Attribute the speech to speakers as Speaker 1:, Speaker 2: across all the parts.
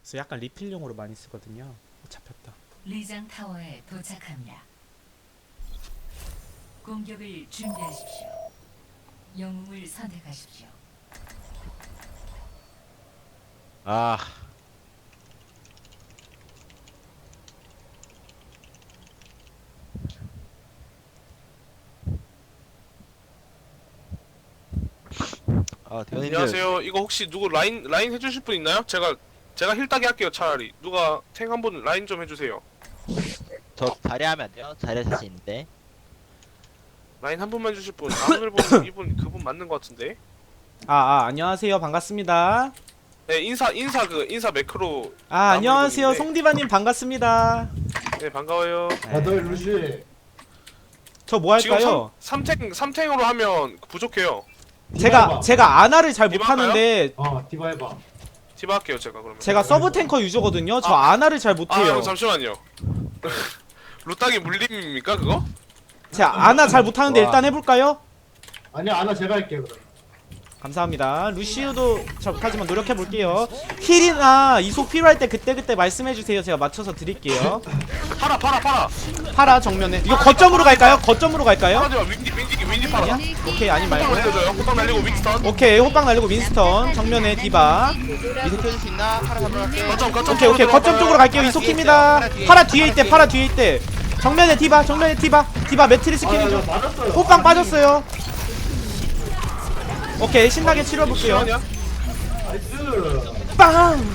Speaker 1: 그래서 약간 리필용으로 많이 쓰거든요. 잡혔다.
Speaker 2: 리장 타워에 도착합니다. 공격을 준비하십시오. 영웅을 선택하십시오.
Speaker 3: 아, 대현님들
Speaker 4: 안녕하세요. 이거 혹시 누구 라인 해주실 분 있나요? 제가 힐 따기 할게요. 차라리 누가 탱 한 분 라인 좀 해주세요.
Speaker 3: 저 자리하면 안 돼요? 자리 자신 있는데.
Speaker 4: 라인 한 분만 해주실 분. 오늘 보는 이분 그분 맞는 것 같은데.
Speaker 1: 안녕하세요. 반갑습니다.
Speaker 4: 네 인사 매크로.
Speaker 1: 안녕하세요.
Speaker 4: 분인데.
Speaker 1: 송디바님 반갑습니다.
Speaker 4: 네 반가워요.
Speaker 5: 다들 루시
Speaker 1: 저 뭐
Speaker 4: 지금
Speaker 1: 할까요?
Speaker 4: 3탱으로 하면 부족해요.
Speaker 1: 제가 아나를 잘
Speaker 4: 디바
Speaker 1: 못하는데
Speaker 5: 디바 해봐.
Speaker 4: 디바 할게요 제가 그러면.
Speaker 1: 제가 서브 탱커 유저거든요. 저 아나를 잘 못해요.
Speaker 4: 잠시만요. 루따기 물림입니까 그거?
Speaker 1: 제가 아나 잘 못하는데
Speaker 3: 와.
Speaker 1: 일단 해볼까요?
Speaker 5: 아니야 아나 제가 할게 그럼.
Speaker 1: 감사합니다. 루시우도 저까지만 노력해볼게요. 힐이나 이속 필요할 때 그때 말씀해주세요. 제가 맞춰서 드릴게요.
Speaker 4: 팔아.
Speaker 1: 파라 정면에 이거 거점으로 갈까요? 거점으로 갈까요?
Speaker 4: 팔아줘. 윈디 팔아.
Speaker 1: 아니야? 오케이 아니
Speaker 4: 호빵
Speaker 1: 말고
Speaker 4: 날려줘요. 호빵 날리고 윈스턴.
Speaker 1: 오케이 호빵 날리고 윈스턴 정면에 디바.
Speaker 3: 미드 켜줄 수 있나? 파라 잡으러 갈게.
Speaker 4: 거점.
Speaker 1: 오케이 거점 쪽으로 갈게요. 이속킵니다. 파라 뒤에 있대. 정면에 디바 디바 매트리스 키는 중.
Speaker 5: 맞았어요.
Speaker 1: 호빵 빠졌어요. 오케이 신나게 치러볼게요.
Speaker 4: 시원이야?
Speaker 5: 나이스.
Speaker 1: 빵.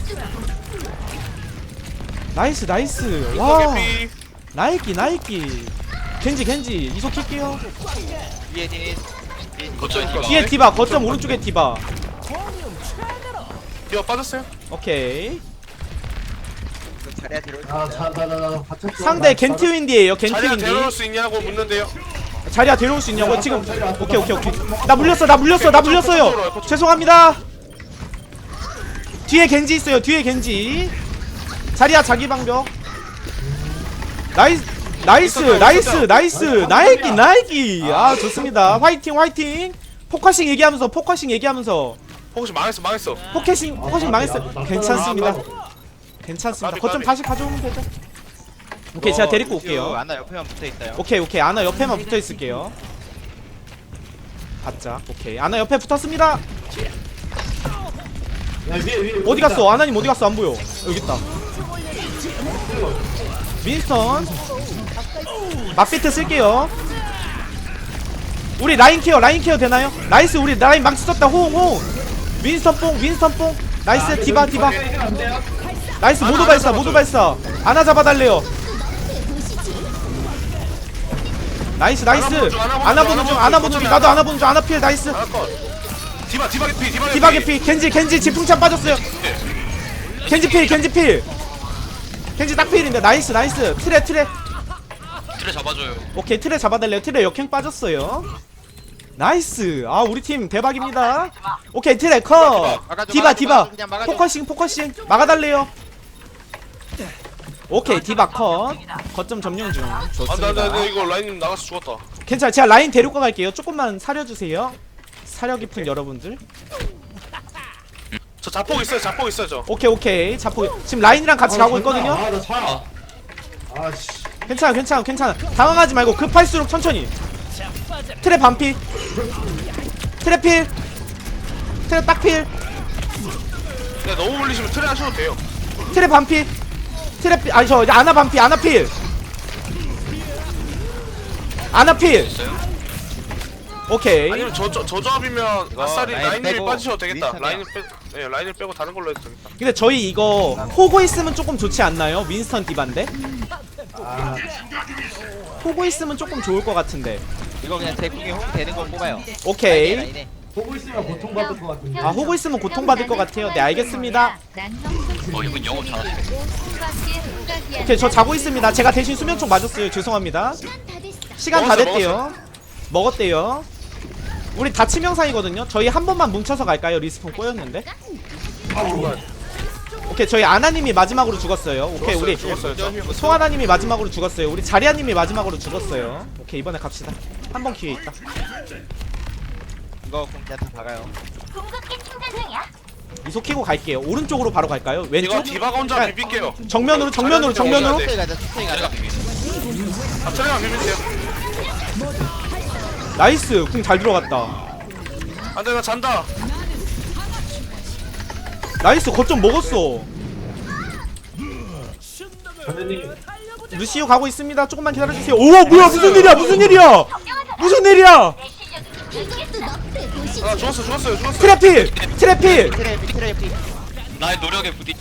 Speaker 1: 나이스. 와
Speaker 4: 개피.
Speaker 1: 나이키. 겐지 이속킬게요.
Speaker 3: 위에 니
Speaker 4: 거점
Speaker 1: 뒤에 디바 거점 오른쪽에 디바.
Speaker 4: 디바 빠졌어요?
Speaker 1: 오케이.
Speaker 3: 자리야 데려올 수
Speaker 5: 아
Speaker 3: 있어요?
Speaker 5: 자자자 받쳤어.
Speaker 1: 상대 겐트윈디에요.
Speaker 4: 자리야
Speaker 1: 겐트윈디.
Speaker 4: 데려올 수 있냐고 묻는데요.
Speaker 1: 자리야 데려올 수 있냐고 지금. 오케이. 나 물렸어요. 죄송합니다. 뒤에 겐지 있어요. 자리야 자기 방벽. 나이스. 나이키. 아 좋습니다. 화이팅. 포커싱 얘기하면서.
Speaker 4: 혹시 망했어.
Speaker 1: 포커싱 망했어. 괜찮습니다.
Speaker 4: 까비,
Speaker 1: 거점
Speaker 4: 까비.
Speaker 1: 다시 가져오면 되죠. 오케이 제가 데리고 올게요.
Speaker 3: 안나 옆에만 붙어 있어요.
Speaker 1: 오케이 아나 옆에만 붙어 있을게요. 바짝. 오케이 아나 옆에 붙었습니다.
Speaker 5: 위에
Speaker 1: 어디 갔어? 아나님 어디 갔어? 안 보여. 여기 있다. 윈스턴. 맛비트 쓸게요. 우리 라인 케어 되나요? 나이스. 우리 라인 망치 썼다. 호응. 윈스턴 뽕. 나이스. 디바. 나이스. 모두 발사. 아나 잡아달래요. 나이스. 아나 보는 중. 나도 아나 보는 중. 아나 필. 나이스.
Speaker 4: 컷. 디바
Speaker 1: 디바 개피. 겐지 지풍참 빠졌어요. 겐지 필. 겐지 딱 필인데. 나이스. 트레
Speaker 4: 잡아줘요.
Speaker 1: 오케이 트레 잡아달래요. 트레 역행 빠졌어요. 나이스. 아 우리 팀 대박입니다. 오케이 트레 컷. 디바.
Speaker 3: 그냥 막아줘.
Speaker 1: 포커싱 막아달래요. 오케이 디바 컷. 거점 점령 중. 좋습니다.
Speaker 4: 나 이거 라인 나가서 죽었다.
Speaker 1: 괜찮아. 제가 라인 데리고 갈게요. 조금만 사려주세요. 사려 깊은 여러분들.
Speaker 4: 저 자폭 있어요 저.
Speaker 1: 오케이 자포 지금 라인이랑 같이 가고 있거든요.
Speaker 5: 아나 차. 아씨.
Speaker 1: 괜찮아. 당황하지 말고 급할수록 천천히. 트레 반피. 트레 필. 트레 딱 필.
Speaker 4: 그냥 너무 물리시면 트레 하셔도 돼요.
Speaker 1: 트레 반피. 트레 필. 아니 저 아나 반피. 아나 필. 오케이.
Speaker 4: 아니면 저 조합이면 아싸리
Speaker 3: 라인
Speaker 4: 라인을
Speaker 3: 빼고
Speaker 4: 빠지셔도 되겠다.
Speaker 3: 윈스턴이야.
Speaker 4: 라인을 빼고 다른 걸로 해도 되겠다.
Speaker 1: 근데 저희 이거 호구 있으면 조금 좋지 않나요? 윈스턴 디반데?
Speaker 5: 아
Speaker 1: 호구 있으면 조금 좋을 것 같은데.
Speaker 3: 이거 그냥 대국에 홈 되는 거 뽑아요.
Speaker 1: 오케이.
Speaker 3: 라인에.
Speaker 5: 보고 있으면 고통받을 것 같은데.
Speaker 1: 아 호구 있으면 고통받을 것 같아요. 네 알겠습니다.
Speaker 4: 이분 영업 잘하시네.
Speaker 1: 오케이 저 자고 있습니다. 제가 대신 수면총 맞았어요. 죄송합니다. 시간 다 됐대요. 먹었대요. 우리 다 치명상이거든요. 저희 한 번만 뭉쳐서 갈까요? 리스폰 꼬였는데. 오케이 저희 아나님이 마지막으로 죽었어요. 오케이 우리
Speaker 4: 죽었어요.
Speaker 1: 송하나님이 마지막으로 죽었어요. 우리 자리아님이 마지막으로 죽었어요. 오케이 이번에 갑시다. 한 번 기회 있다.
Speaker 3: 이거 그럼 그냥 다 박아요.
Speaker 1: 이속키고 갈게요. 오른쪽으로 바로 갈까요?
Speaker 4: 이거
Speaker 1: 왼쪽?
Speaker 4: 디바가 혼자
Speaker 1: 그러니까
Speaker 4: 비빌게요.
Speaker 1: 정면으로 정면으로 정면으로.
Speaker 3: 천천히 가자 천천히 가자.
Speaker 4: 아, 차례만 비빌게요.
Speaker 1: 나이스. 궁 잘 들어갔다.
Speaker 4: 안돼 나 잔다.
Speaker 1: 나이스. 거점 먹었어.
Speaker 5: 선생님
Speaker 1: 루시오 가고 있습니다. 조금만 기다려주세요. 오 뭐야 무슨 일이야 무슨 일이야 무슨 일이야.
Speaker 4: 아 죽었어요.
Speaker 1: 트래필 트래필.
Speaker 3: 트래피.
Speaker 6: 나의 노력에 부딪.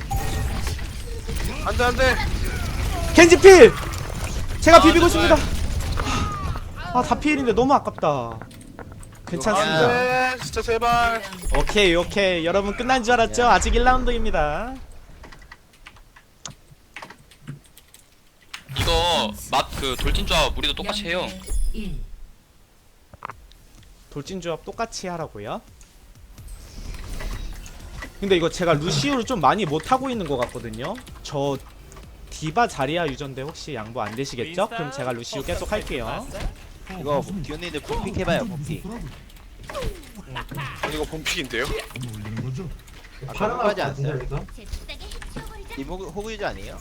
Speaker 4: 안돼.
Speaker 1: 겐지필. 제가 비비고 있습니다. 아 다 필인데 너무 아깝다. 괜찮습니다.
Speaker 4: 안돼 진짜 제발.
Speaker 1: 오케이 여러분 끝난 줄 알았죠? 아직 1라운드입니다.
Speaker 6: 이거 맛 그 돌진 조합 우리도 똑같이 해요.
Speaker 2: 1.
Speaker 1: 돌진조합 똑같이 하라고요? 근데 이거 제가 루시우를 좀 많이 못하고 있는 것 같거든요. 저 디바 자리야 유전데 혹시 양보 안 되시겠죠? 그럼 제가 루시우 계속 할게요.
Speaker 3: 이거 기훈이들 봄픽 해봐요 봄픽.
Speaker 4: 이거 본픽인데요?
Speaker 5: 파란
Speaker 3: 하지
Speaker 5: 거
Speaker 3: 않았어요?
Speaker 5: 같은데 여기서?
Speaker 3: 이 호구유저 아니에요?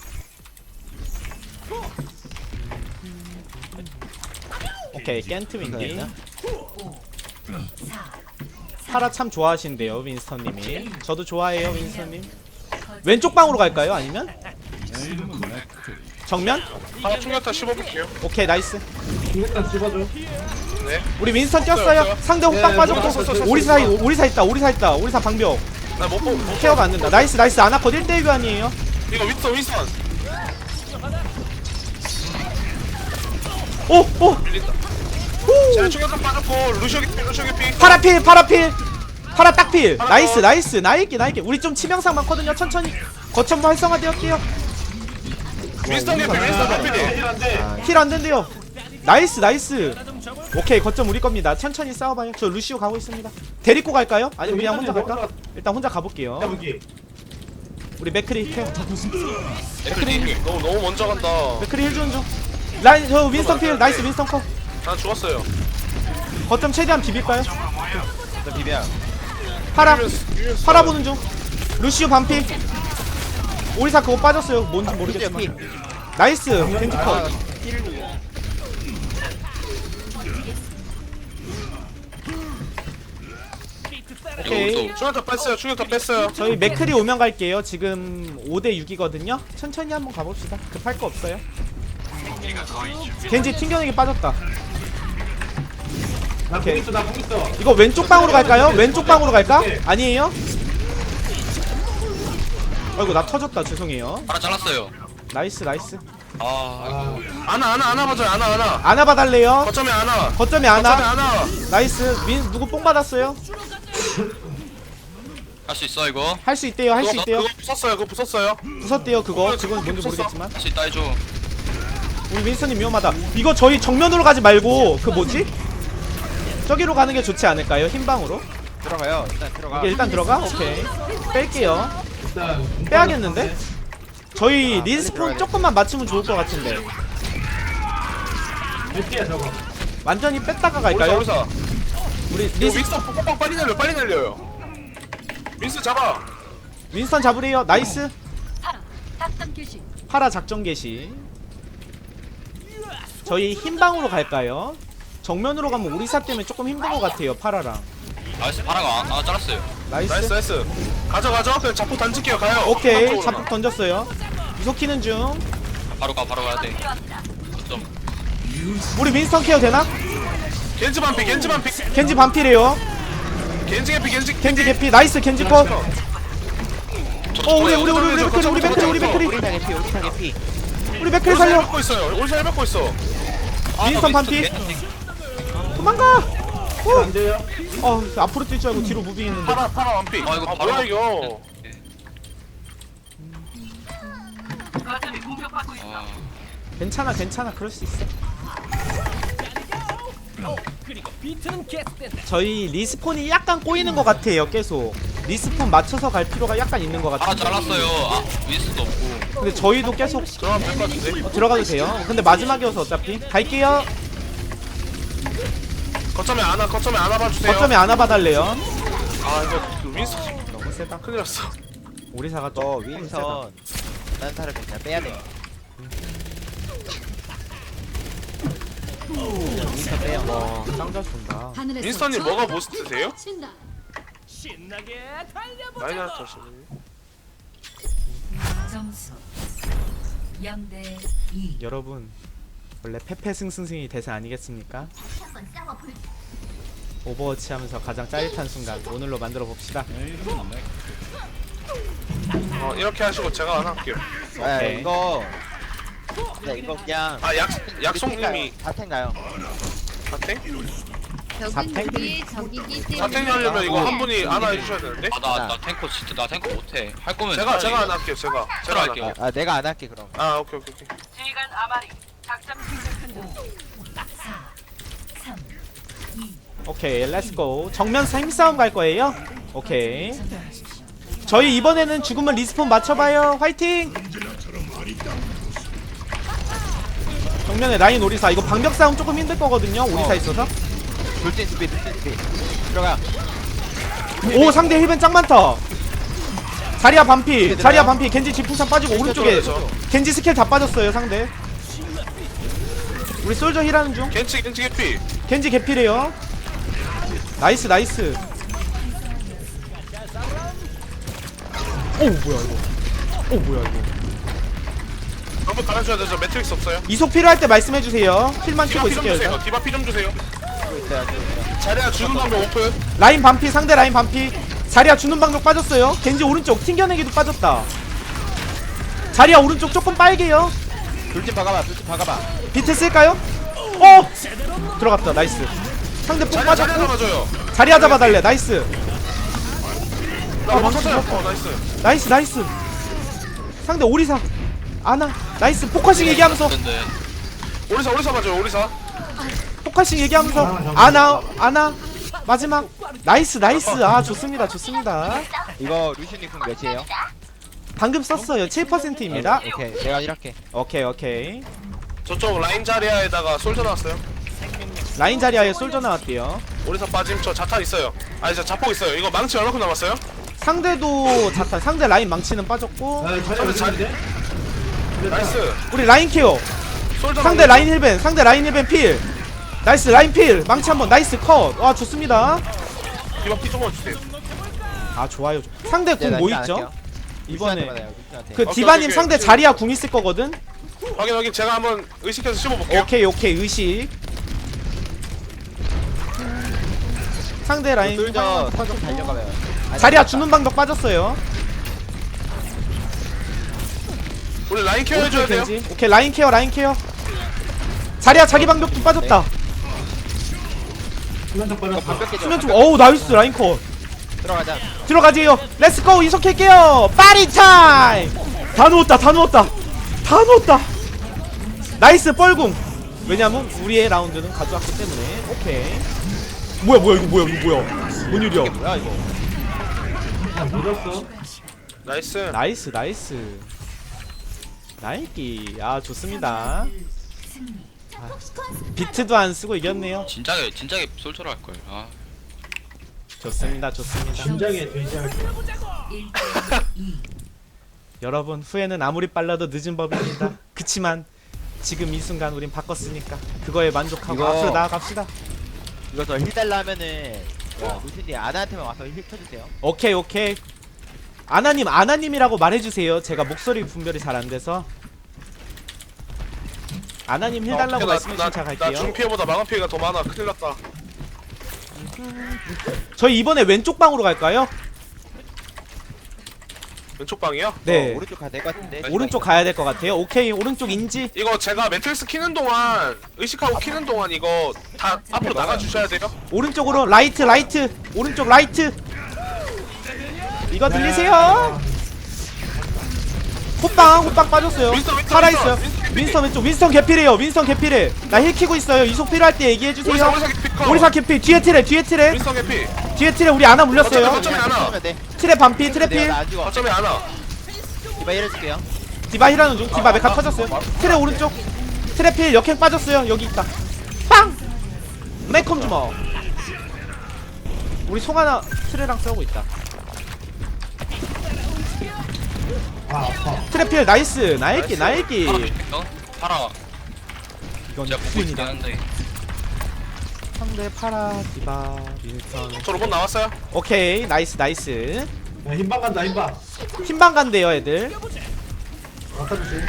Speaker 1: 오케이 깬트 윈디.
Speaker 2: 4.
Speaker 1: 파라 참 좋아하신대요 윈스턴님이. 저도 좋아해요 윈스턴님. 왼쪽 방으로 갈까요? 아니면? 정면?
Speaker 4: 하나 충격타 씹어볼게요.
Speaker 1: 오케이 나이스.
Speaker 5: 일단 집어줘.
Speaker 4: 네.
Speaker 1: 우리 윈스턴 뛰었어요. 상대 호빵
Speaker 5: 예,
Speaker 1: 빠졌고 오리사 있다 오리사 방벽.
Speaker 4: 나못 보.
Speaker 1: 케어가 안 된다. 나이스 아나컷 1대1 교환이에요.
Speaker 4: 이거 윈스턴.
Speaker 1: 오!
Speaker 4: 밀린다. 제가 충격타 빠졌고 루시오 개피.
Speaker 1: 파라필 파라 딱필. 나이스 나이게 우리 좀 치명상 많거든요. 천천히 거점도 활성화되었대요.
Speaker 4: 윈스턴 개피.
Speaker 5: 힐한데
Speaker 1: 힐 안된대요. 나이스. 오케이 거점 우리 겁니다. 천천히 싸워봐요. 저 루시오 가고 있습니다. 데리고 갈까요? 아니면 그냥 혼자 갈까? 일단 혼자 가볼게요.
Speaker 5: 잡기.
Speaker 1: 우리 맥크리 케어.
Speaker 4: 맥크리 너무 먼저 간다.
Speaker 1: 맥크리 힐 주는 중. 라인 저 윈스턴 필. 나이스 윈스턴 컷.
Speaker 4: 난 죽었어요.
Speaker 1: 거점 최대한 비빌까요?
Speaker 3: 나 비벼.
Speaker 1: 파라 보는 중. 루시오 반피. 오리사 그거 빠졌어요. 뭔지 모르겠지만.
Speaker 3: 피.
Speaker 1: 나이스 겐지 컷. 오케이.
Speaker 4: 충격타 뺐어요.
Speaker 1: 저희 맥크리 오면 갈게요. 지금 5대 6이거든요. 천천히 한번 가봅시다. 급할 거 없어요. 겐지 튕겨내기 빠졌다. 오케이.
Speaker 5: 나공 있어.
Speaker 1: 이거 왼쪽 방으로 갈까요? 왼쪽 방으로 갈까? 아니에요? 아이고 나 터졌다. 죄송해요.
Speaker 6: 하나 잘랐어요.
Speaker 1: 나이스.
Speaker 6: 아
Speaker 4: 아나 봐줘요. 아나.
Speaker 1: 아나 봐달래요.
Speaker 4: 거점에 아나.
Speaker 1: 거점에 아나.
Speaker 4: 아나.
Speaker 1: 나이스. 누구 뽕 받았어요?
Speaker 6: 할 수 있어 이거.
Speaker 1: 할 수 있대요. 할 수 있대요.
Speaker 4: 그거 부쉈어요.
Speaker 1: 부쉈대요. 그거 지금 뭔지 모르겠지만.
Speaker 6: 할 수 있다 해줘.
Speaker 1: 우리 윈스턴님 위험하다. 이거 저희 정면으로 가지 말고 그 뭐지? 저기로 가는 게 좋지 않을까요? 흰방으로?
Speaker 3: 들어가요. 일단 들어가.
Speaker 1: 이게 일단 들어가? 오케이. 뺄게요.
Speaker 5: 일단
Speaker 1: 빼야겠는데? 저희 리스폰 조금만 맞추면 좋을 것 같은데.
Speaker 5: 몇 개야 저거?
Speaker 1: 완전히 뺐다가 갈까요?
Speaker 4: 오리사.
Speaker 1: 우리
Speaker 4: 이거 윈스턴 뽕뽕 빨리 날려요. 윈스턴 잡아.
Speaker 1: 윈스턴 잡으래요. 나이스.
Speaker 2: 작전 교실.
Speaker 1: 파라 작전 개시. 저희 흰방으로 갈까요? 정면으로 가면 오리사 때문에 조금 힘든 것 같아요. 파라랑.
Speaker 6: 나이스 파라가 잘랐어요.
Speaker 4: 나이스. 가져. 그냥 자폭 던질게요. 가요.
Speaker 1: 오케이.
Speaker 4: 한쪽으로
Speaker 1: 자폭 던졌어요. 이속키는 중.
Speaker 6: 바로 가야 돼. 좀
Speaker 1: 우리 윈스턴 케어 되나?
Speaker 4: 겐지 반피.
Speaker 1: 겐지 반피래요.
Speaker 4: 겐지
Speaker 1: 개피. 나이스 겐지 컷. 우리
Speaker 3: 오리사
Speaker 1: 맥크리.
Speaker 3: 개피.
Speaker 1: 우리 맥크리 살려.
Speaker 4: 밟고 있어요. 오리사 밟고 있어.
Speaker 1: 윈스턴 반피. 도망가.
Speaker 5: 안 돼요?
Speaker 1: 앞으로 뛸 줄 알고 뒤로 무빙했는데.
Speaker 4: 파라 반피.
Speaker 6: 아, 이거
Speaker 4: 뭐야
Speaker 6: 바로
Speaker 4: 이거.
Speaker 1: 괜찮아. 그럴 수 있어. 저희 리스폰이 약간 꼬이는 것 같아요. 계속 리스폰 맞춰서 갈 필요가 약간 있는 것
Speaker 6: 하나
Speaker 1: 같아요.
Speaker 6: 잘랐어요. 윈스도 없고.
Speaker 1: 근데 저희도 계속
Speaker 4: 들어가면 될 것 같은데.
Speaker 1: 들어가도 돼요. 근데 마지막이어서 어차피 갈게요.
Speaker 4: 거점에 아나 봐주세요.
Speaker 1: 거점에 안아 봐달래요.
Speaker 4: 아 이거 윈스턴.
Speaker 1: 세다.
Speaker 4: 큰일 났어.
Speaker 1: 오리사가
Speaker 3: 너
Speaker 1: 좀 세다.
Speaker 3: 윈선 딴 사람이 그냥 빼야 돼. 윈선 빼요.
Speaker 1: 짱잘 쏜다.
Speaker 2: 하늘에서
Speaker 4: 윈스턴님
Speaker 2: 저
Speaker 4: 뭐가 보스트세요?
Speaker 2: 친다.
Speaker 4: 많이 나왔시네.
Speaker 2: 점수 0대 2.
Speaker 1: 여러분 원래 페페승승승이 대세 아니겠습니까? 오버워치 하면서 가장 짜릿한 순간 오늘로 만들어 봅시다.
Speaker 4: 이렇게 하시고 제가 안 할게요.
Speaker 3: 아,
Speaker 1: 오케이.
Speaker 3: 이거 이거 그냥
Speaker 4: 아 약속님이
Speaker 3: 사택 나요.
Speaker 4: 사탱?
Speaker 1: 사탱?
Speaker 7: 우리의 적이기 때문에
Speaker 4: 사탱이 하려면 이거 한 분이 안아 해주셔야 되는데.
Speaker 6: 나 탱커 진짜 나 탱커 못해. 할 거면
Speaker 4: 제가 안 할게요. 제가 안
Speaker 6: 할게요.
Speaker 4: 할게요.
Speaker 3: 내가 안 할게 그럼.
Speaker 4: 아 오케이.
Speaker 1: 오케이 렛츠고. 정면 힘싸움 갈 거예요? 오케이. 저희 이번에는 죽으면 리스폰 맞춰봐요. 화이팅! 정면에 라인 오리사. 이거 방벽 싸움 조금 힘들 거거든요. 오리사 있어서.
Speaker 3: 돌진 스피 들어가.
Speaker 1: 오 상대 힐벤 짱 많다. 자리야 반피. 자리야 반피. 겐지 지풍산 빠지고 오른쪽에 겐지 스킬 다 빠졌어요 상대. 우리 솔저 힐하는 중.
Speaker 4: 겐치 개피.
Speaker 1: 겐지 개필이에요. 나이스 나이스. 오 뭐야 이거. 오 뭐야 이거.
Speaker 4: 한번 깔아줘야 되죠. 매트릭스 없어요.
Speaker 1: 이속 필요할 때 말씀해주세요. 힐만
Speaker 4: 디바
Speaker 1: 키고
Speaker 4: 피 좀
Speaker 1: 있을게요
Speaker 4: 주세요.
Speaker 1: 일단.
Speaker 4: 디바 피 좀 주세요.
Speaker 3: 있어요.
Speaker 4: 자리야 주는 방법 오픈.
Speaker 1: 라인 반피. 상대 라인 반피. 자리야 주는 방법 빠졌어요. 겐지 오른쪽 튕겨내기도 빠졌다. 자리야 오른쪽 조금 빨개요.
Speaker 3: 돌진 박아봐.
Speaker 1: 비트 쓸까요? 어! 들어갔다 나이스. 상대 뽕
Speaker 4: 자리야
Speaker 1: 빠졌고
Speaker 4: 잡아줘요.
Speaker 1: 자리야 잡아달래. 나이스
Speaker 4: 나 맞췄어요. 나이스.
Speaker 1: 나이스 나이스. 상대 오리사 아나 나이스. 포커싱 얘기하면서
Speaker 6: 근데
Speaker 4: 오리사 맞아요. 오리사.
Speaker 1: 포커싱 얘기하면서 아나 마지막 나이스 아 좋습니다.
Speaker 3: 이거 루시님 궁 몇이에요?
Speaker 1: 방금 썼어요. 7%입니다.
Speaker 3: 오케이. 내가 이렇게.
Speaker 1: 오케이
Speaker 4: 저쪽 라인 자리아에다가 솔져 나왔어요.
Speaker 1: 라인 자리아에 솔져 나왔대요.
Speaker 4: 오리사 빠짐. 저 자탄 있어요. 아니 저 자폭 있어요. 이거 망치 얼마큼 남았어요?
Speaker 1: 상대도 자탄. 상대 라인 망치는 빠졌고
Speaker 5: 잘했는데?
Speaker 4: 나이스.
Speaker 1: 우리 라인 케어.
Speaker 4: 솔져
Speaker 1: 상대 라인 힐벤 필. 나이스 라인 필. 망치 한번. 나이스 컷. 와 좋습니다.
Speaker 4: 디바 피 조금만 주세요.
Speaker 1: 아 좋아요. 상대 궁 뭐 있죠? 이번에
Speaker 3: 루시한테.
Speaker 1: 그
Speaker 4: 오케이,
Speaker 1: 디바님
Speaker 4: 오케이.
Speaker 1: 상대 자리야 궁 있을 거거든.
Speaker 4: 확인. 제가 한번 의식해서 씹어볼게요.
Speaker 1: 오케이 의식. 상대 라인
Speaker 3: 솔저 턴좀 달려가봐요.
Speaker 1: 자리야 주는 방법 빠졌어요.
Speaker 4: 우리 라인 케어 해줘야 돼요.
Speaker 1: 겐지. 오케이 라인 케어. 자리야 자기 방벽도 빠졌다.
Speaker 5: 수면적
Speaker 3: 이거
Speaker 5: 빠졌다.
Speaker 3: 반벽 깨져.
Speaker 1: 수면 좀 어우 나이스 라인 컷.
Speaker 3: 들어가자.
Speaker 1: 들어가지요. 렛츠고 이속할게요. 파리 타임. 다 넣었다. 나이스 뻘궁. 왜냐면 우리의 라운드는 가져왔기 때문에. 오케이. 뭐야 이거 뭐야. 뭔 일이야.
Speaker 3: 뭐야 이거?
Speaker 5: 밀었어.
Speaker 4: 나이스.
Speaker 1: 나이스. 나이키. 아 좋습니다. 비트도 안 쓰고 이겼네요.
Speaker 6: 진작에 솔처로 할 걸. 아
Speaker 1: 좋습니다.
Speaker 5: 심장에 돼지할게.
Speaker 2: 1대 2.
Speaker 1: 여러분 후회는 아무리 빨라도 늦은 법입니다. 그치만 지금 이 순간 우린 바꿨으니까 그거에 만족하고
Speaker 3: 이거-
Speaker 1: 앞으로 나아갑시다.
Speaker 3: 이거 저 힐 달라 하면은 루시님 아나한테만 와서 힐 쳐주세요.
Speaker 1: 오케이. 아나님이라고 말해주세요. 제가 목소리 분별이 잘 안 돼서. 아나님 힐 달라고 말씀해주시면 제가
Speaker 4: 나
Speaker 1: 갈게요.
Speaker 4: 중피해보다 마감 피해가 더 많아. 큰일 났다.
Speaker 1: 저희 이번에 왼쪽 방으로 갈까요?
Speaker 4: 왼쪽 방이요?
Speaker 1: 네.
Speaker 3: 오른쪽 가야 될 것 같은데.
Speaker 1: 오른쪽 가야 될 것 같아요. 오케이 오른쪽 인지.
Speaker 4: 이거 제가 매트릭스 키는 동안 의식하고 키는 동안 이거 다 앞으로 나가주셔야 돼요.
Speaker 1: 오른쪽으로 라이트. 오른쪽 라이트. 이거 들리세요? 호빵 빠졌어요.
Speaker 4: 윈스턴,
Speaker 1: 살아있어요.
Speaker 4: 윈스턴
Speaker 1: 윈스턴 왼쪽. 윈스턴 개필해. 나 힐 키고 있어요. 이속 필요할 때 얘기해주세요.
Speaker 4: 오리사 개피.
Speaker 1: 오리사 개필. 뒤에 트레.
Speaker 4: 윈스턴 개피.
Speaker 1: 뒤에 트레 우리 아나 물렸어요.
Speaker 4: 거점에 하나.
Speaker 1: 트레 반피. 트레 필.
Speaker 3: 내가 안 죽어.
Speaker 4: 거점에 하나.
Speaker 3: 디바 힐해줄게요.
Speaker 1: 디바 힐하는 중. 디바 메카 터졌어요. 트레 오른쪽. 트레 필 역행 빠졌어요. 여기 있다. 빵! 메컴 주먹. 우리 송하나 트레랑 싸우고 있다.
Speaker 5: 아파.
Speaker 1: 트래필 나이스. 나이키
Speaker 6: 파라
Speaker 1: 나이키.
Speaker 6: 어? 파라
Speaker 1: 이건
Speaker 6: 제가 보고 있긴
Speaker 1: 퀸이다.
Speaker 6: 한데
Speaker 1: 상대 파라 디바 윈스턴.
Speaker 4: 저 로봇 나왔어요.
Speaker 1: 오케이 나이스 나이스.
Speaker 5: 야, 흰방 간다, 흰방.
Speaker 1: 흰방 간대요 애들.
Speaker 5: 아까 주지.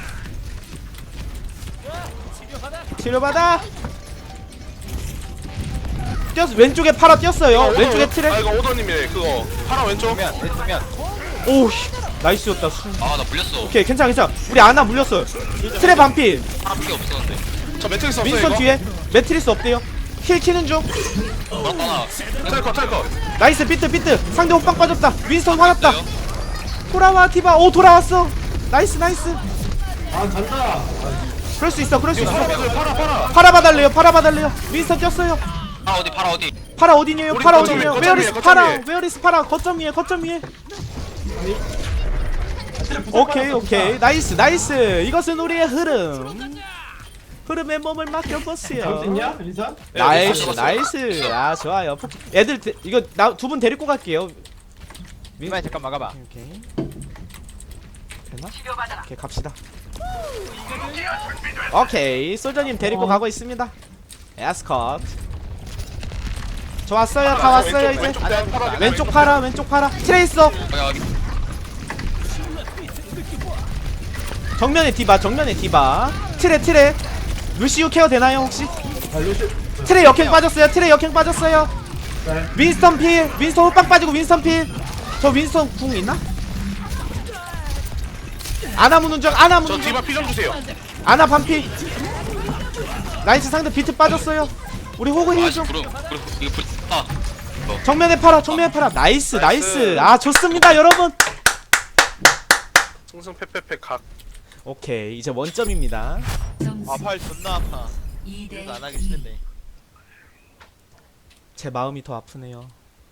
Speaker 1: 치료받아. 뛰었어. 왼쪽에 파라 뛰었어요. 왼쪽에 트랩.
Speaker 4: 아 이거 오더님이래. 그거 파라 왼쪽.
Speaker 3: 수면 내 수면.
Speaker 1: 오 나이스였다.
Speaker 6: 아 나 물렸어
Speaker 1: 오케이 괜찮아 괜찮아. 우리 아나 물렸어요. 트랩 반피.
Speaker 6: 파라밖에 없었는데
Speaker 4: 저 매트릭스 없어요
Speaker 1: 윈스턴
Speaker 4: 이거.
Speaker 1: 뒤에 매트리스 없대요. 힐 키는 중.
Speaker 6: 물었다 나
Speaker 4: 텔커.
Speaker 1: 나이스 비트 상대 호빵 빠졌다. 윈스턴 화났다.
Speaker 6: 있어요?
Speaker 1: 돌아와 디바. 오 돌아왔어. 나이스 나이스.
Speaker 5: 아, 간다.
Speaker 1: 그럴 수 있어 그럴 수
Speaker 4: 이거
Speaker 1: 있어.
Speaker 4: 파라 봐줘요. 파라.
Speaker 1: 파라 봐달래요 파라 봐달래요. 윈스턴 뛰었어요.
Speaker 6: 파라 어디 파라 어디
Speaker 1: 파라 어디니에요?
Speaker 4: 우리
Speaker 1: 파라
Speaker 4: 거점
Speaker 1: 어디니에요?
Speaker 4: 위에,
Speaker 1: 웨어리스
Speaker 4: 거점
Speaker 1: 파라
Speaker 4: 위에.
Speaker 1: 웨어리스 파라 거점 위에 거점 위에. 오케이 나이스 이것은 우리의 흐름의 몸을
Speaker 5: 잡을 수
Speaker 1: 맡겨보세요.
Speaker 5: 있냐, 인사?
Speaker 1: 나이스 아 좋아요. 애들 이거 나 두 분 데리고 갈게요.
Speaker 3: 이만 잠깐 막아봐.
Speaker 1: 오케이 되나? 오케이 갑시다. 오케이 솔저님 데리고 가고 있습니다. 에스컷 저 왔어요. 다 왔어요 이제. 왼쪽 파라 트레이서
Speaker 6: 여기
Speaker 1: 정면에 디바 트레 루시우 케어 되나요 혹시?
Speaker 5: 아, 루시.
Speaker 1: 트레 역행 빠졌어요.
Speaker 5: 네.
Speaker 1: 윈스턴 필 윈스턴 호빵 빠지고 윈스턴 필저 윈스턴 궁 있나? 아나 무는 중
Speaker 4: 저 디바 피 좀 주세요.
Speaker 1: 아나 반피. 나이스 상대 비트 빠졌어요. 우리 호그
Speaker 6: 아씨
Speaker 1: 힐좀
Speaker 6: 구름 이거 불 아.
Speaker 1: 정면에 팔아 나이스 아 좋습니다 여러분.
Speaker 4: 승승패패패 각.
Speaker 1: 오케이 이제 원점입니다.
Speaker 2: 점수
Speaker 3: 아팔 존나 아파.
Speaker 2: 2대
Speaker 3: 그래서 안 하기 싫은데.
Speaker 1: 제 마음이 더 아프네요.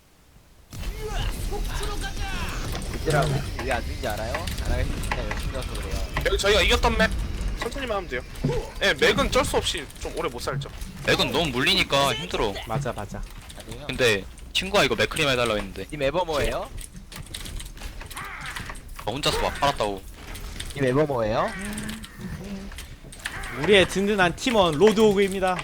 Speaker 3: 이제라고 왜안 되는지 알아요? 안 하기 싫은데 열심히 해서 그래요.
Speaker 4: 여기 저희가 이겼던 맵 천천히만 하면 돼요. 예, 맥은 쩔 수 없이 좀 오래 못 살죠.
Speaker 6: 맥은 너무 물리니까 힘들어
Speaker 1: 맞아
Speaker 3: 아니에요?
Speaker 6: 근데 친구가 이거 맥크림 해달라고 했는데
Speaker 3: 님 에버 뭐예요?
Speaker 6: 혼자서 막 팔았다고
Speaker 3: 님 에버 뭐예요?
Speaker 1: 우리의 든든한 팀원 로드오그입니다.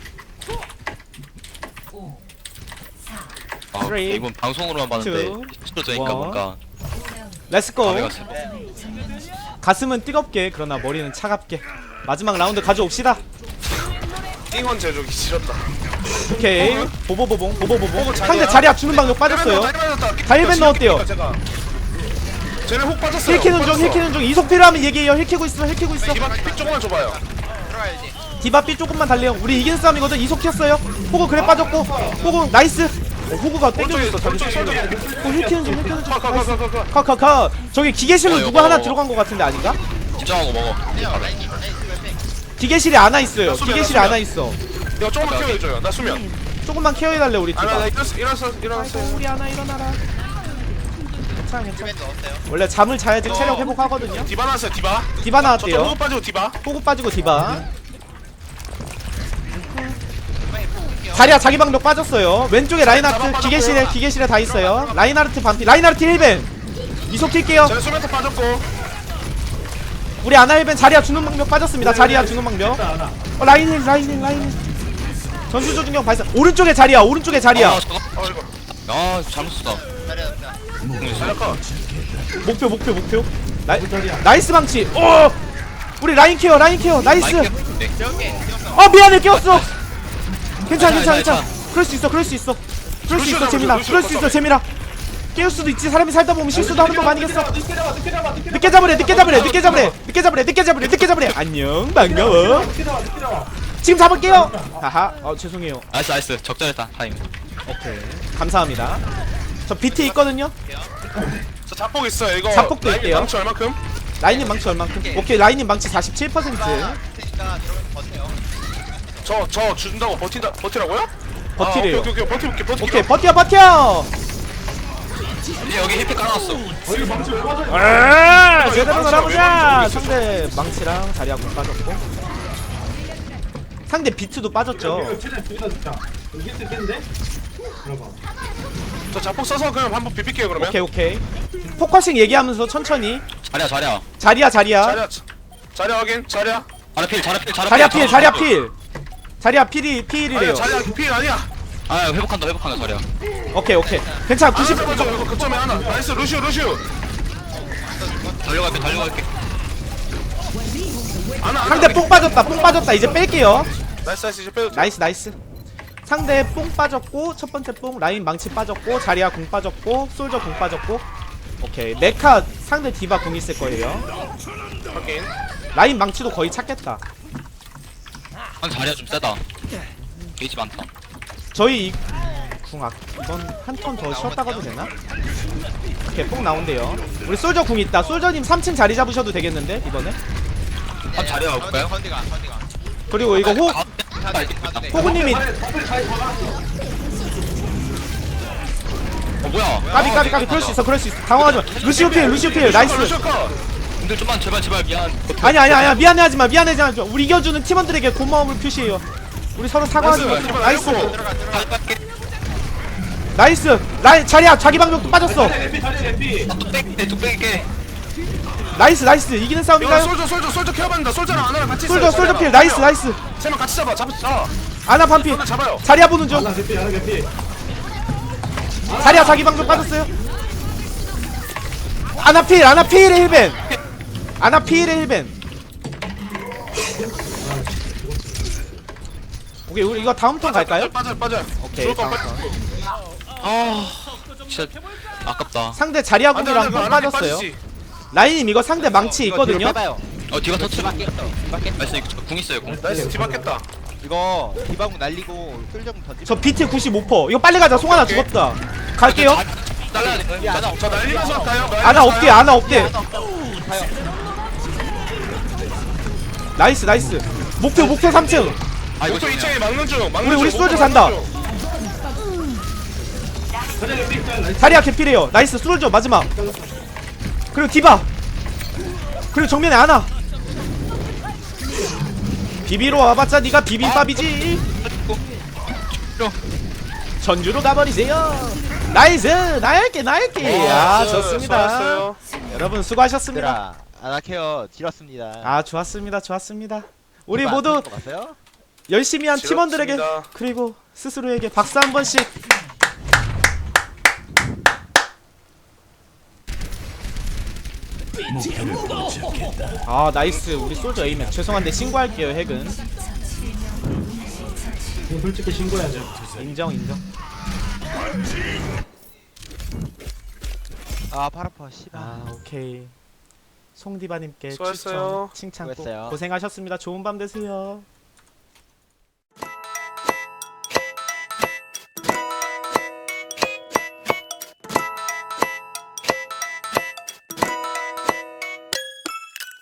Speaker 2: 5
Speaker 6: 아
Speaker 1: Three,
Speaker 6: 이번 방송으로만 봤는데
Speaker 1: two,
Speaker 6: 실제로 되니까
Speaker 1: one.
Speaker 6: 뭔가
Speaker 1: 렛츠고.
Speaker 6: 감회가 있어
Speaker 1: 가슴은 뜨겁게 그러나 머리는 차갑게 마지막 라운드 가져옵시다.
Speaker 4: 띵헌 제조기 지렸다.
Speaker 1: 오케이 보보보봉
Speaker 4: 보고
Speaker 1: 상대
Speaker 4: 자리야.
Speaker 1: 자리야 주는 방법 빠졌어요. 다일벤 넣었대요.
Speaker 4: 쟤네 훅 빠졌어요.
Speaker 1: 힐키는 중 이속 필요하면 얘기해요. 힐키고 있어
Speaker 4: 디바 픽 조금만 줘봐요.
Speaker 3: 들어가야지.
Speaker 1: 디바 삐 조금만 달래요. 우리 이긴 싸움이거든. 이속 튀었어요. 호구 그래 빠졌고 호구 나이스. 호구가 땡겨줬어. 호구 힐키는 중 나이스. 컷 저기 기계실로
Speaker 6: 어,
Speaker 1: 누구
Speaker 6: 이거.
Speaker 1: 하나 들어간 것 같은데 아닌가?
Speaker 6: 집중하고 먹어
Speaker 1: 기계실에 안와 있어요. 기계실에 안와 있어.
Speaker 4: 내가 조금만 케어해줘요. 나 수면.
Speaker 1: 조금만 케어해달래 우리
Speaker 4: 아나 나
Speaker 1: 디바.
Speaker 4: 일어났어요.
Speaker 1: 우리 하나 일어나라. 괜찮아.
Speaker 3: 면 넣었어요.
Speaker 1: 원래 잠을 자야지 체력 회복하거든요.
Speaker 4: 디바 나왔어요. 디바.
Speaker 1: 디바
Speaker 4: 저쪽
Speaker 1: 나왔대요.
Speaker 4: 호흡 빠지고 디바.
Speaker 1: 호구 빠지고 디바. 자리야 자기 방벽 빠졌어요. 왼쪽에 라인하르트 기계실에 다 있어요. 라인하르트 반피. 라인하르트 1벤. 이속 킬게요.
Speaker 4: 쟤네 수면도 빠졌고.
Speaker 1: 우리 아나 1벤 자리야 주는 방벽 빠졌습니다. 자리야 주는 방벽.
Speaker 5: 하나.
Speaker 1: 라인 힐. 전수 조준경 발사. 오른쪽에 자리야.
Speaker 6: 아 저거
Speaker 4: 이거.
Speaker 6: 아 잘못 썼다
Speaker 4: 잘할까?
Speaker 1: 목표. 나이스 방치. 우리 라인 케어. 나이스.
Speaker 6: 네.
Speaker 1: 미안해 깨웠어. 괜찮아. 그럴 수 있어. 재민아. 깨울 수도 있지. 사람이 살다 보면 실수도 하는 법 아니겠어. 늦게 잡으래. 안녕 반가워. 지금 잡을게요. 하하. 죄송해요.
Speaker 6: 나이스 적절했다 타임
Speaker 1: 오케이. 감사합니다. 저 비트 있거든요.
Speaker 4: 저 자폭 있어요. 이거.
Speaker 1: 자폭도
Speaker 4: 라인이
Speaker 1: 있대요.
Speaker 4: 망치 얼마큼?
Speaker 1: 라인님 망치 얼만큼? 오케이. 라인님 망치 47%.
Speaker 3: 테니까 들어가면 버텨요.
Speaker 4: 저 준다고 버티라고요?
Speaker 1: 버티래요.
Speaker 4: 오케이 버틸게.
Speaker 1: 오케이. 버텨.
Speaker 6: 이제 여기 힐팩 깔아놨어
Speaker 1: 제대로 놀아보자. 상대 망치랑 자리야 못 빠졌고. 상대 비트도 빠졌죠.
Speaker 5: 최대 둘다 진짜. 여기 있겠는데? 들어봐.
Speaker 4: 저 자폭 써서 그냥 한번 비빌게요 그러면.
Speaker 1: 오케이. 포커싱 얘기하면서 천천히.
Speaker 6: 자리야 자리야.
Speaker 1: 자리야 자리야.
Speaker 4: 자리야 확인. 자리야.
Speaker 6: 자리야 필 자리야 필
Speaker 1: 자리야 필 자리야 필. 자리야 필이
Speaker 4: 아니야
Speaker 1: 필이래요.
Speaker 4: 자리야 필 아니야.
Speaker 6: 아 회복한다 자리야.
Speaker 1: 오케이 오케이. 괜찮아 90.
Speaker 4: 맞아 이거 거점에 하나. 나이스 루시오.
Speaker 6: 달려갈게.
Speaker 1: 상대 뽕 빠졌다. 이제 뺄게요.
Speaker 4: 나이스 이제 빼도 돼.
Speaker 1: 나이스. 상대 뽕 빠졌고 첫 번째 뽕 라인 망치 빠졌고 자리야 궁 빠졌고 솔저 궁 빠졌고. 오케이 메카 상대 디바 궁 있을 거예요.
Speaker 4: 확인.
Speaker 1: 라인 망치도 거의 찾겠다.
Speaker 6: 한 자리야 좀 세다. 게이지 많다.
Speaker 1: 저희 이번 한 턴 더 쉬었다 가도 되나? 오케이 뽕 나온대요. 우리 솔저 궁 있다. 솔저님 3층 자리 잡으셔도 되겠는데 이번에.
Speaker 6: 한 자리야 볼까요?
Speaker 3: 컨디가.
Speaker 1: 그리고 이거 호구님이
Speaker 6: 뭐야?
Speaker 1: 까비 그럴 수 있어 당황하지 마. 루시오 필 나이스.
Speaker 6: 근데 좀만 제발 미안.
Speaker 1: 아니야 미안해하지 마. 우리 이겨주는 팀원들에게 고마움을 표시해요. 우리 서로 사과하지 마. 나이스 라인 자리야 자기 방벽도 빠졌어.
Speaker 6: 뚝배기.
Speaker 1: 나이스 이기는 싸움인가요?
Speaker 4: 솔저 케어받는다. 솔저랑 아나랑 같이
Speaker 1: 솔저 필 나이스
Speaker 4: 세명 같이 잡아.
Speaker 1: 아나 반피
Speaker 4: 솔저 잡아요.
Speaker 1: 자리야 보는 중.
Speaker 5: 하나 개피.
Speaker 1: 자리야 자기 방벽 빠졌어요. 아나 필의 힐벤. 오케이 우리 이거 다음 턴 갈까요?
Speaker 4: 빠져.
Speaker 1: 오케이
Speaker 4: 죽을 건
Speaker 1: 다음
Speaker 4: 빨리.
Speaker 1: 턴.
Speaker 6: 아 진짜 아깝다.
Speaker 1: 상대 자리야 궁이랑
Speaker 4: 안 돼,
Speaker 1: 뽕
Speaker 4: 안 돼,
Speaker 1: 빠졌어요.
Speaker 4: 빠지지.
Speaker 1: 라인님 이거 상대 망치 있거든요.
Speaker 3: 빼봐요.
Speaker 6: 디바 터치.
Speaker 3: 디바켓.
Speaker 6: 나이스 이거 궁 있어요 궁.
Speaker 4: 나이스 뒤바뀌었다.
Speaker 3: 이거 디바공 날리고 쓸정 던지.
Speaker 1: 저 BT 95%. 이거 빨리 가자. 송하나 죽었다. 갈게요.
Speaker 6: 잘라야 돼.
Speaker 4: 저 날리면서 가요.
Speaker 1: 아나 없대. 나이스. 목표 3층.
Speaker 6: 아 이거
Speaker 4: 목표 2층에 막는 중.
Speaker 1: 우리 솔저 잔다. 자리야 개필이에요. 나이스 솔저 마지막. 그리고 디바. 그리고 정면에 아나. 비비로 와봤자 니가 비빔밥이지. 전주로 가버리세요. 나이스 나일게. 아 좋습니다.
Speaker 4: 수고하셨어요.
Speaker 1: 여러분 수고하셨습니다.
Speaker 3: 얘들아 아나케어 지렸습니다.
Speaker 1: 아 좋았습니다. 우리 모두 열심히 한 팀원들에게
Speaker 4: 즐겁습니다.
Speaker 1: 그리고 스스로에게 박수 한 번씩. 아 나이스 우리 솔저 에이맨. 죄송한데 신고할게요 핵은.
Speaker 5: 이거 솔직히 신고해야죠.
Speaker 1: 인정.
Speaker 3: 아팔 아파 씨발.
Speaker 1: 아 오케이. 송디바님께
Speaker 4: 수고하셨어요.
Speaker 1: 추천 칭찬 꼭
Speaker 3: 수고했어요.
Speaker 1: 고생하셨습니다. 좋은 밤 되세요.